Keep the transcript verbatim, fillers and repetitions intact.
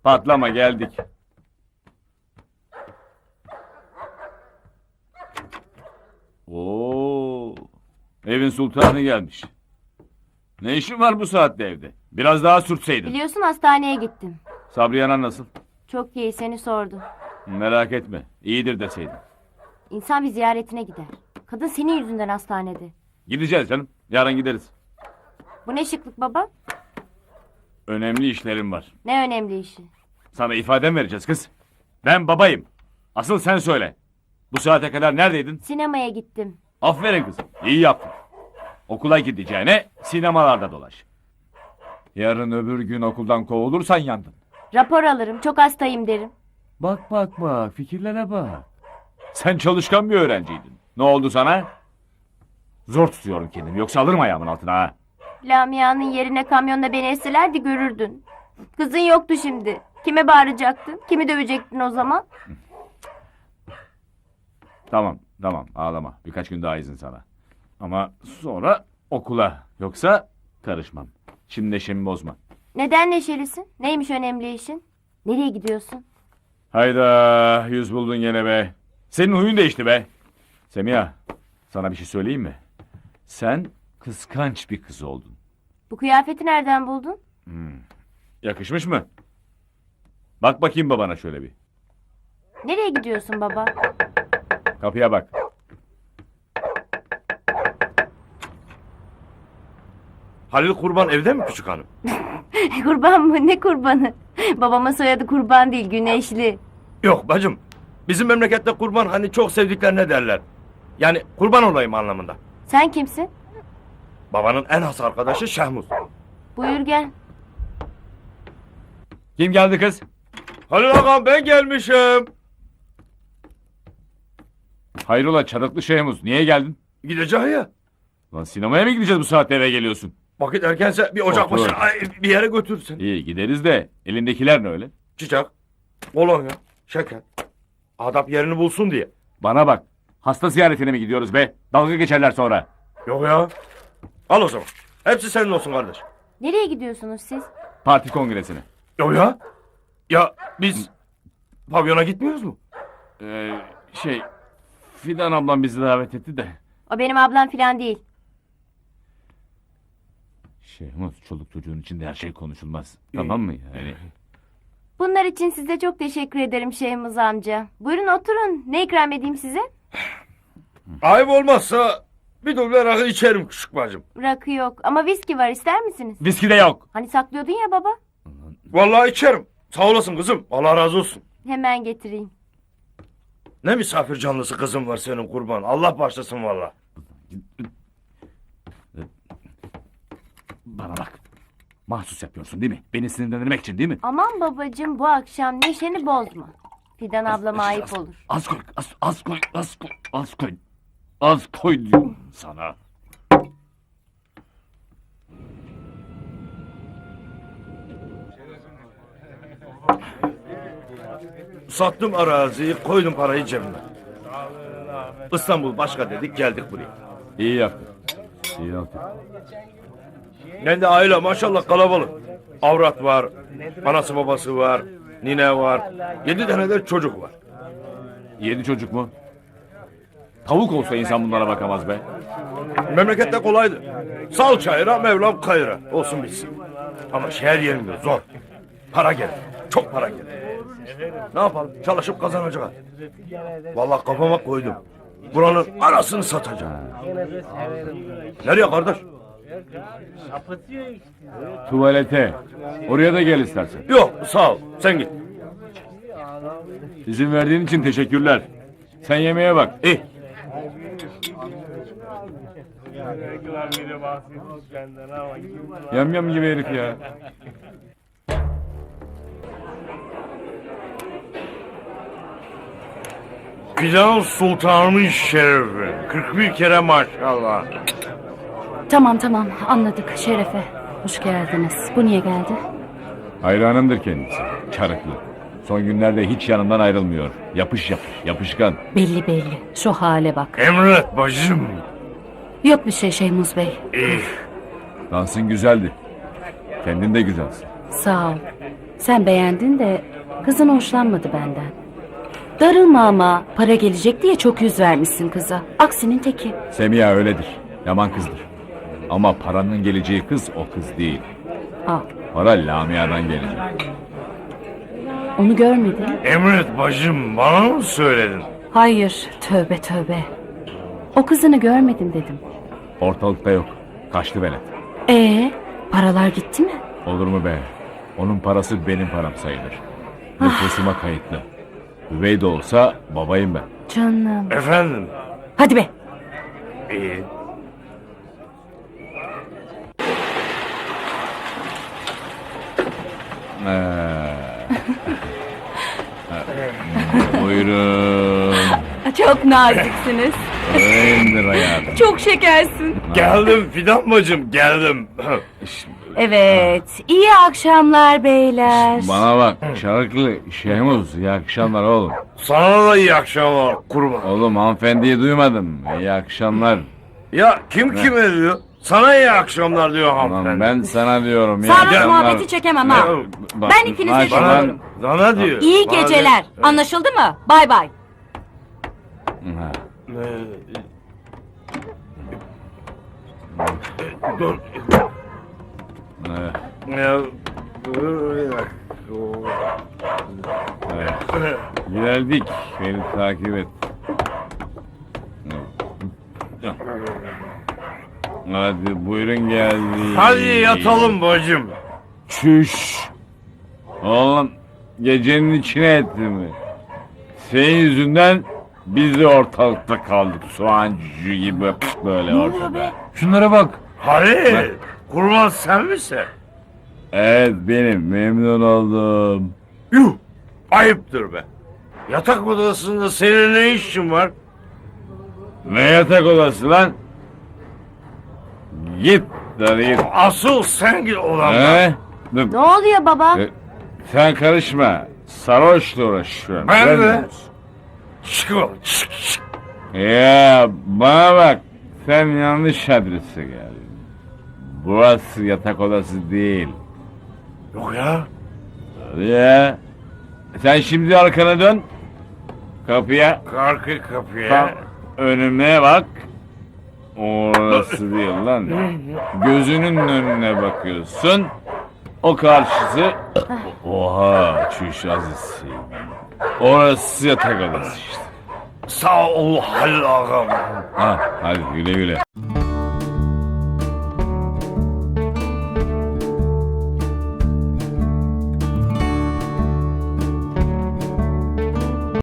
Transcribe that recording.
Patlama, geldik. Oo, evin sultanı gelmiş. Ne işin var bu saatte evde? Biraz daha sürtseydin. Biliyorsun hastaneye gittim. Sabriye Anan nasıl? Çok iyi, seni sordu. Merak etme, iyidir deseydin. İnsan bir ziyaretine gider. Kadın senin yüzünden hastanede. Gideceğiz canım, yarın gideriz. Bu ne şıklık baba? Önemli işlerim var. Ne önemli işi. Sana ifade vereceğiz kız. Ben babayım. Asıl sen söyle. Bu saate kadar neredeydin? Sinemaya gittim. Aferin kızım, iyi yaptın. Okula gideceğine sinemalarda dolaş. Yarın öbür gün okuldan kovulursan yandın. Rapor alırım, çok hastayım derim. Bak bak bak, fikirlere bak. Sen çalışkan bir öğrenciydin. Ne oldu sana? Zor tutuyorum kendimi, yoksa alırım ayağımın altına ha. Lamia'nın yerine kamyonla beni esselerdi görürdün. Kızın yoktu şimdi. Kime bağıracaktın? Kimi dövecektin o zaman? Tamam, tamam, ağlama. Birkaç gün daha izin sana. Ama sonra okula, yoksa karışmam. Şimdi neşemi bozma. Neden neşelisin? Neymiş önemli işin? Nereye gidiyorsun? Hayda, yüz buldun gene be. Senin huyun değişti be. Semiha, sana bir şey söyleyeyim mi? Sen kıskanç bir kız oldun. Bu kıyafeti nereden buldun? Yakışmış mı? Bak bakayım babana şöyle bir. Nereye gidiyorsun baba? Kapıya bak. Halil Kurban evde mi küçük hanım? Kurban mı? Ne kurbanı? Babamın soyadı kurban değil, Güneşli. Yok bacım. Bizim memlekette kurban hani çok sevdiklerine derler. Yani kurban olayım anlamında. Sen kimsin? Babanın en has arkadaşı Şehmuz. Buyur gel. Kim geldi kız? Halil ağam ben gelmişim. Hayrola çarıklı Şehmuz, niye geldin? Gideceğim ya. Lan sinemaya mı gideceğiz bu saatte, eve geliyorsun? Vakit erkense bir ocak Otur. başına ay, bir yere götürsün. İyi gideriz de elindekiler ne öyle? Çiçek, kolonya, şeker. Adap yerini bulsun diye. Bana bak, hasta ziyaretine mi gidiyoruz be? Dalga geçerler sonra. Yok ya. Al o zaman. Hepsi senin olsun kardeş. Nereye gidiyorsunuz siz? Parti kongresine. Yok ya. Ya biz pavyona gitmiyoruz mu? Ee, şey, Fidan ablam bizi davet etti de. O benim ablam falan değil. Şehmuz, çoluk çocuğun içinde her şey konuşulmaz. Tamam mı yani? Bunlar için size çok teşekkür ederim Şehmuz amca. Buyurun oturun. Ne ikram edeyim size? Ayıp olmazsa bir duble rakı içerim küçük bacım. Rakı yok ama viski var, ister misiniz? Viski de yok. Hani saklıyordun ya baba. Vallahi içerim. Sağ olasın kızım. Allah razı olsun. Hemen getireyim. Ne misafir canlısı kızım var senin kurban. Allah başlasın valla. Bana bak. Mahsus yapıyorsun değil mi? Beni sinirlendirmek için değil mi? Aman babacığım, bu akşam neşeni bozma. Fidan ablama ayıp olur. Az koy, az, az koy, az koy, az koy. Az koy diyorum sana. Sattım araziyi, koydum parayı cebime. İstanbul başka dedik, geldik buraya. İyi yaptın. İyi yaptın. Ben de aile maşallah kalabalık. Avrat var, anası babası var, nine var. Yedi tane de çocuk var. Yedi çocuk mu? Tavuk olsa insan bunlara bakamaz be. Memlekette kolaydı. Sal çayıra, Mevlam kayıra. Olsun bitsin. Ama şehir yerinde zor. Para gelir, çok para gelir. Ne yapalım? Çalışıp kazanacağız. Vallahi kafama koydum. Buranın arasını satacağım. Nereye kardeş? Tuvalete. Oraya da gel istersen. Yok sağ ol. Sen git. İzin verdiğin için teşekkürler. Sen yemeğe bak. İyi. Yam yam gibi herif ya. Fidan Sultan'ın şerefi. kırk bir kere maşallah. Tamam tamam anladık Şerefe. Hoş geldiniz. Bu niye geldi? Hayranımdır kendisi. Çarıklı. Son günlerde hiç yanımdan ayrılmıyor. Yapış yapış, yapışkan. Belli belli. Şu hale bak. Emret bacım. Yok bir şey Şeymuz Bey. İyi. Dansın güzeldi. Kendin de güzelsin. Sağ ol. Sen beğendin de kızın hoşlanmadı benden. Darılma ama para gelecek diye çok yüz vermişsin kıza. Aksinin teki. Semiha öyledir. Yaman kızdır. Ama paranın geleceği kız o kız değil. Al. Para Lamia'dan gelecek. Onu görmedin. Emret bacım, bana mı söyledin? Hayır. Tövbe tövbe. O kızını görmedim dedim. Ortalıkta yok. Kaçtı velet. Ee, paralar gitti mi? Olur mu be? Onun parası benim param sayılır. Nüfusuma kayıtlı. Üvey de olsa babayım ben. Canım. Efendim? Hadi be. İyi. Ee, Buyurun. Çok naziksiniz. Öğrendir hayatım. Çok şekersin. Geldim Fidan bacım, geldim. Evet. İyi akşamlar beyler. Bana bak Şarkılı Şehmuz, iyi akşamlar oğlum. Sana da iyi akşamlar kurban. Oğlum hanımefendiyi duymadın mı? İyi akşamlar. Ya kim kime diyor? Sana iyi akşamlar diyor Ulan hanımefendi. ben sana diyorum. iyi Sarhoş akşamlar. muhabbeti çekemem ha. Bak, Ben ikinize bak, şey Bana, yaparım. bana diyor. İyi Bana geceler. diyor. Anlaşıldı mı? Bay bay. Ha. Dur. Evet, Ya, dur bir dakika. evet. Geldik. Beni takip et. Hadi buyurun geldi. Hadi yatalım bacım. Çüş. Oğlum gecenin içine etti mi? Senin yüzünden biz de ortalıkta kaldık. Soğan cücüğü gibi böyle ortada. Şunlara bak. Halil, kurban sen misin? Evet benim memnun oldum. Yuh, ayıptır be. Yatak odasında senin ne işin var? Ne yatak odası lan? Git hadi git. Asıl sen git odamdan. He? Dur. Ne oluyor baba? E, Sen karışma. Sarhoşla uğraşıyorum. Ben Sen de. Çık oğlum, çık çık. Ya bana bak. Sen yanlış adrese geldin. Burası yatak odası değil. Yok ya. Ya. Sen şimdi arkana dön. Kapıya. Karkı kapıya. Tam önüme bak. Orası değil lan. Gözünün önüne bakıyorsun. O karşısı. Oha çüş Aziz. Orası yatak odası işte. Sağ ol Halil ağam. Ha, hadi güle güle.